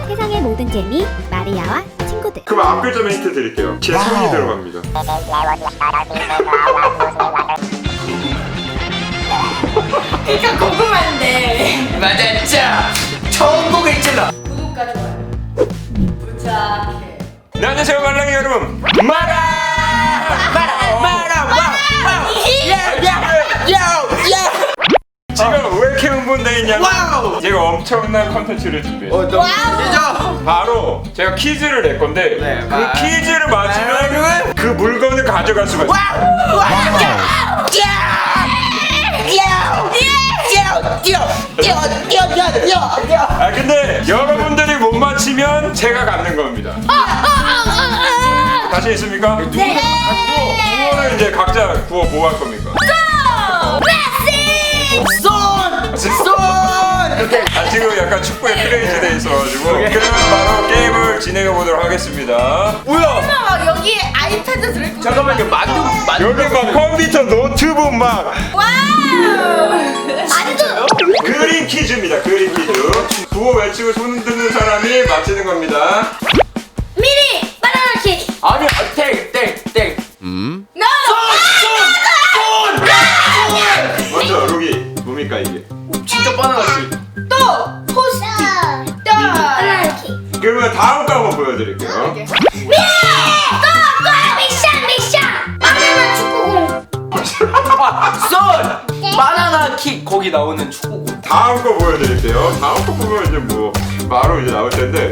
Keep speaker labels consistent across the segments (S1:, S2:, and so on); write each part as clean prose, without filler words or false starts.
S1: 세상의 모든 재미 마리아와 친구들.
S2: 그럼 앞글자만 힌트 드릴게요. 제 손이 들어갑니다.
S3: 그러니까 궁금한데.
S4: 맞았죠? 천국을 찔러.
S3: 구독과 좋아요 부탁해.
S2: 네, 안녕하세요 말랑이 여러분. 지금 왜 이렇게 흥분돼 있냐면
S4: 와우!
S2: 제가 엄청난 컨텐츠를 준비했어요.
S4: 와우!
S2: 바로 제가 퀴즈를 낼 건데
S4: 네,
S2: 그 퀴즈를 맞히면 그 물건을 가져갈 수가 있어요. 아 근데 여러분들이 못 맞히면 제가 갖는 겁니다. 자신 있습니까?
S1: 네.
S2: 구호를 이제 각자 구호 뭐 할 겁니까? 지금 약간 축구에 크레이지 돼 있어가지고 그러면 바로 게임을 진행해 보도록 하겠습니다.
S3: 막 여기 아이패드 들고.
S4: 잠깐만요. 만두
S2: 여기 막 컴퓨터 노트북 막
S3: 와우.
S2: 그림 퀴즈입니다. 그림 퀴즈. 구호 외치고 손 흔드는 사람이 맞히는 겁니다.
S1: 미리 바나나 케이크.
S4: 아니요. 땡.
S2: 먼저 로기 뭡니까 이게?
S4: 진짜 바나나지.
S3: 또 토스트. 또
S1: 바나나 케이크.
S2: 그러면 다음 거 한번 보여드릴게요.
S1: 미리 미션 바나나 축구공.
S4: 손! 바나나 킥 거기 나오는 축구공.
S2: 다음 거 보여드릴게요. 다음 거 보면 이제 뭐 바로 이제 나올 텐데.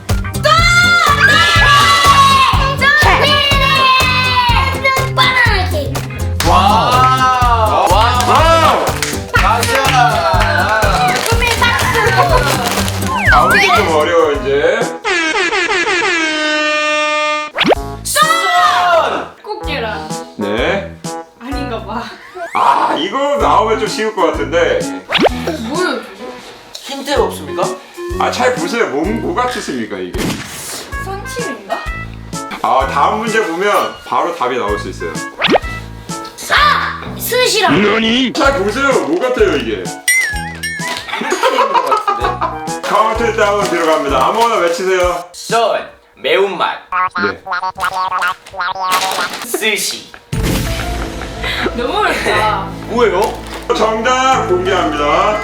S1: 미리 바나나 케이크.
S4: 와우!
S2: 와우!
S4: 가자!
S1: 꿈이 박수.
S2: 다음 게좀 어려워 이제.
S4: 손!
S3: 꽃게랑
S2: 네.
S3: 아닌가 봐.
S2: 아 이거 나오면 좀 쉬울 것 같은데.
S3: 뭐야?
S4: 힌트 없습니까?
S2: 아 잘 보세요. 뭐 같으십니까 이게?
S3: 손칠인가?
S2: 아 다음 문제 보면 바로 답이 나올 수 있어요.
S1: 스시랑.
S2: 잘 보세요. 뭐 같아요 이게?
S4: 힌트인 것 같은데.
S2: 카운트다운 들어갑니다. 아무거나 외치세요.
S4: 손! 매운맛.
S2: 네.
S4: 스시.
S3: 너무 어렵다.
S4: 뭐예요?
S2: 정답 공개합니다.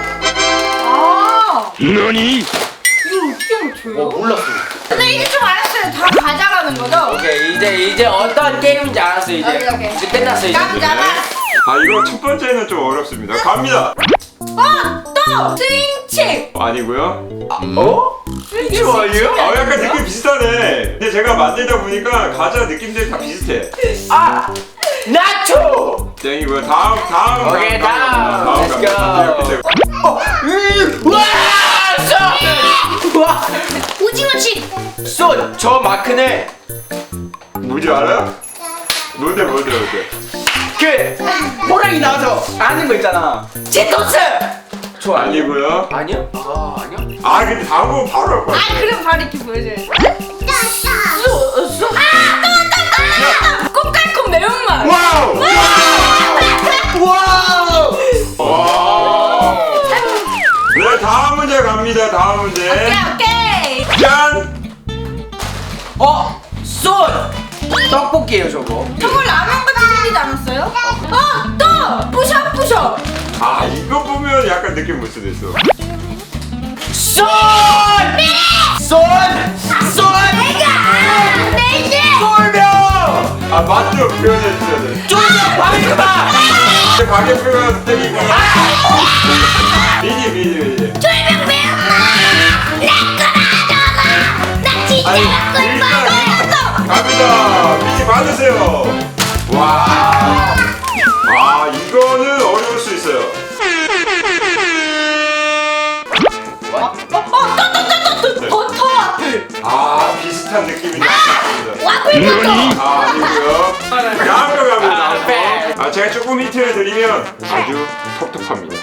S3: 아. 이거 어떻게 맞춰요?
S4: 몰랐어.
S3: 근데 이제 좀 알았어요. 다 가져가는 거죠?
S4: 오케이 이제 어떤 게임인지 알았어 이제.
S3: 오케이.
S4: 이제 끝났어 이제.
S3: 깜짝아.
S2: 아 이거 첫 번째는 좀 어렵습니다. 갑니다.
S3: 또 스윙칩.
S2: 아니고요.
S4: 어? 스시 아니에요?
S2: 아 약간 느낌 비슷하네. 근데 제가 만들다 보니까 과자 느낌들이 다 비슷해.
S4: 아! 나초!
S2: 땡이고요. 다음.
S4: 오케이, 다음. Let's go.
S2: 갑니다.
S4: 와! 손! 와!
S1: 오징어칩.
S4: 손! 저 마크는
S2: 뭔지 알아요? 뭔데?
S4: 그 호랑이 나와서 아는 거 있잖아. 제토스! 저
S2: 아니고요.
S4: 아니야? 아 아니야?
S2: 아 근데 다음 거 바로 할 거야.
S3: 아 그럼 바로 이렇게 보여줘야지.
S4: 수!
S3: 꼼깔콤 매운맛.
S2: 와우!
S4: 와우!
S2: 와. 네 다음 문제 갑니다. 다음 문제.
S3: 오케이.
S2: 짠.
S4: 손! 떡볶이에요 저거.
S3: 저거 라면 같이 생기지 않았어요? 또 뿌셔뿌셔.
S2: 아 이거 보면 약간 느낌 올 수도 있어.
S4: 손! 손! 손! 쫄병!
S2: 아 맛도 표현해 주셔야 돼.
S4: 쫄병 방금아!
S2: 이제 가게 표현 땡이고. 미니. 아니 일단 갑니다. 미니 받으세요. 와. 아 이거는 어려울 수 있어요.
S3: 버터 와플.
S2: 아 비슷한 느낌이 나습니다.
S1: 와플 버터.
S2: 아 아니고요. 다음 거 갑니다. 아 제가 조금 힌트를 드리면 아주 텁텁합니다.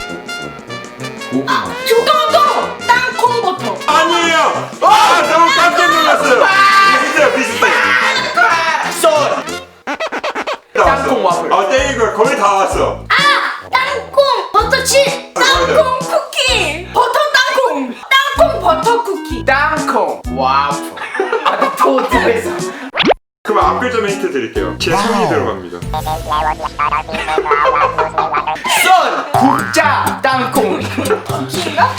S3: 조가도 땅콩 버터.
S2: 아니에요. 아 너무 깜짝 놀랐어요. 비슷해.
S4: 손! 땅콩 와플.
S2: 아 땡이고 거의 다 왔어.
S1: 땅콩 버터칩.
S3: 땅콩 쿠키. 버터 땅콩. 땅콩 버터 버터 쿠키.
S4: 땅콩 와플. 아나 토트에서.
S2: 그럼 앞글자만 힌트 드릴게요. 제 손이 들어갑니다.
S4: 쏜 국자 땅콩.
S3: 쿠키인가?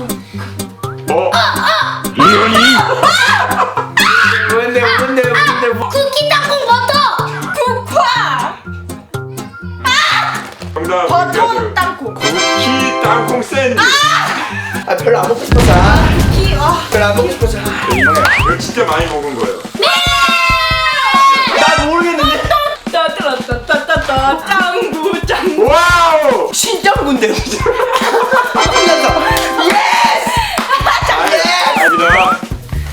S2: 이현이
S4: 뭔데
S1: 쿠키 땅콩 버터.
S3: 국화.
S2: 정답
S3: 버터
S2: 문제들.
S3: 땅콩.
S2: 쿠키 땅콩 샌드.
S4: 아 별로 안 먹고 싶어서.
S3: 쿠키.
S4: 별로 안 먹고 싶어서.
S2: 이거 진짜 많이 먹은 거예요.
S4: 나 모르겠는데.
S3: 따따따따따따 짱구 짱구.
S2: 와우.
S4: 신짱군데. 틀렸어. 예스.
S2: 아니다.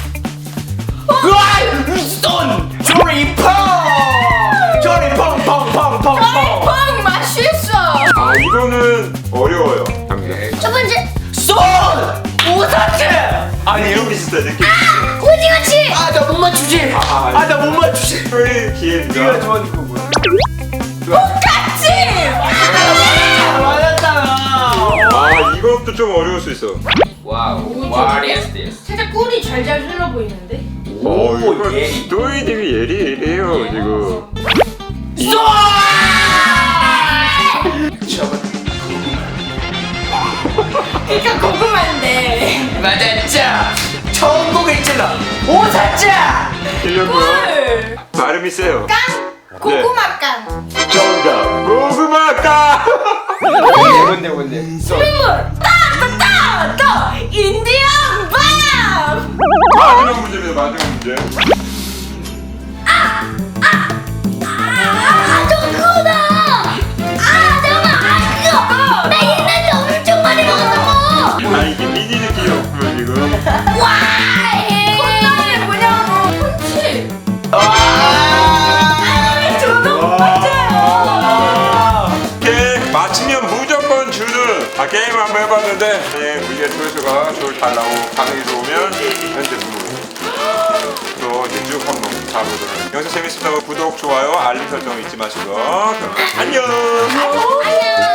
S4: 우와! 쏜! 조리펑! 조리펑 펑펑펑펑!
S3: 뻥 맛있어.
S2: 아 이거는 어려워요. 갑니다.
S1: 첫 번째
S4: 쏜! 오사츠! 아니에요?
S2: 느낌 비슷해 느낌.
S1: 오징어칩.
S4: 아, 나 못 맞추지! 아, 나 못 맞추지!
S2: 소리 기회입니다.
S4: 네가 좋아하는 거 뭐야?
S3: 똑같이.
S4: 맞았잖아!
S2: 아 이것도 좀 어려울 수 있어.
S4: 와우, what is this?
S3: 살짝 꿀이 잘잘 흘러 보이는데.
S2: 오 이거
S4: 예리.
S2: 또이님이 예리해요 지금.
S4: 쏜! 저거
S3: 그러니까 고구마인데.
S4: 맞았죠? 처음 보겠잖아! 오사자!
S2: 틀렸고요.
S3: 꿀.
S2: 발음이 세요.
S3: 깡. 고구마 깡.
S2: 정답 고구마까.
S4: 뭔데? 쏜!
S3: 물. 따따따따 인디언 밤.
S2: 마지막 문제입니다. 마지막 문제.
S1: 저거 그거다. 잠깐만. 그거. 나 옛날에 엄청 많이 먹었던 거.
S2: 아 이게 미니 느낌이었고요 지금.
S1: 와.
S3: 콩나물이 뭐냐고. 콘치. 저도 못
S2: 와.
S3: 맞아요.
S2: 이렇게 맞히면 무조건 주는 게임 한번 해봤는데 우리의 조회수가 잘 나오고 반응이 좋으면 현재 무료. 또 이제 쭉 한번 가보도록. 영상 재밌었다고 구독, 좋아요, 알림 설정 잊지 마시고 그럼 안녕.
S1: 안녕.